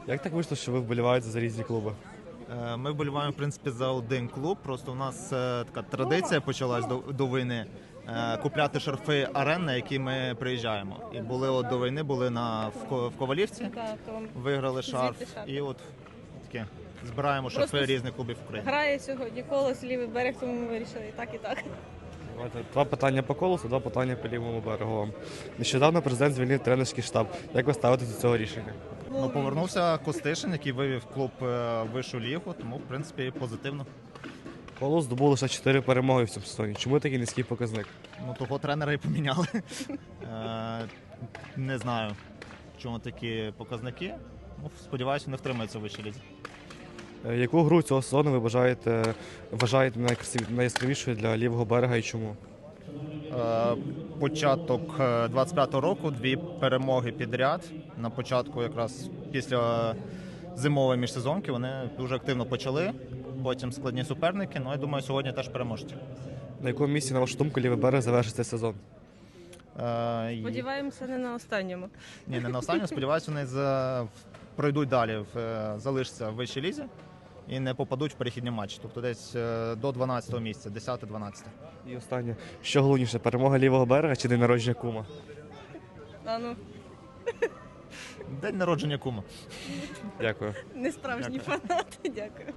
Як так вийшло, що ви вболіваєте за різні клуби? Ми вболіваємо, в принципі, за один клуб. Просто у нас така традиція почалась до війни купляти шарфи арен, на які ми приїжджаємо. І були до війни, були в Ковалівці, Так, то виграли шарф. звідти шарф. І от таке збираємо шарфи Просто різних клубів України. грає сьогодні колос, лівий берег, тому ми вирішили і так, і так. Давайте, два питання по колосу, два питання по лівому берегу вам. Нещодавно президент звільнив тренерський штаб. Як ви ставитесь до цього рішення? Ну, повернувся Костишин, який вивів клуб в вищу лігу, тому, в принципі, позитивно. Колос здобув лише 4 перемоги в цьому сезоні. Чому такий низький показник? Ну, того тренера і поміняли. Не знаю, в чому такі показники. Ну, сподіваюся, не втримаються в вищій лізі. Яку гру цього сезону ви вважаєте найяскравішою для лівого берега і чому? Початок 25-го року, 2 перемоги підряд. На початку, якраз після зимової міжсезонки, вони дуже активно почали. Потім складні суперники. Ну, я думаю, сьогодні теж переможуть. На якому місці, на вашу думку, лівий берег завершить цей сезон? Сподіваємося, не на останньому. Ні, не на останньому. Сподіваюся, вони пройдуть далі, залишаться в вищій лізі і не попадуть в перехідні матчі. Тобто десь до 12-го місця, 10-12. І останнє. Що головніше, перемога лівого берега чи день народження кума? А ну, День народження кума. Дякую. не справжні фанати, дякую.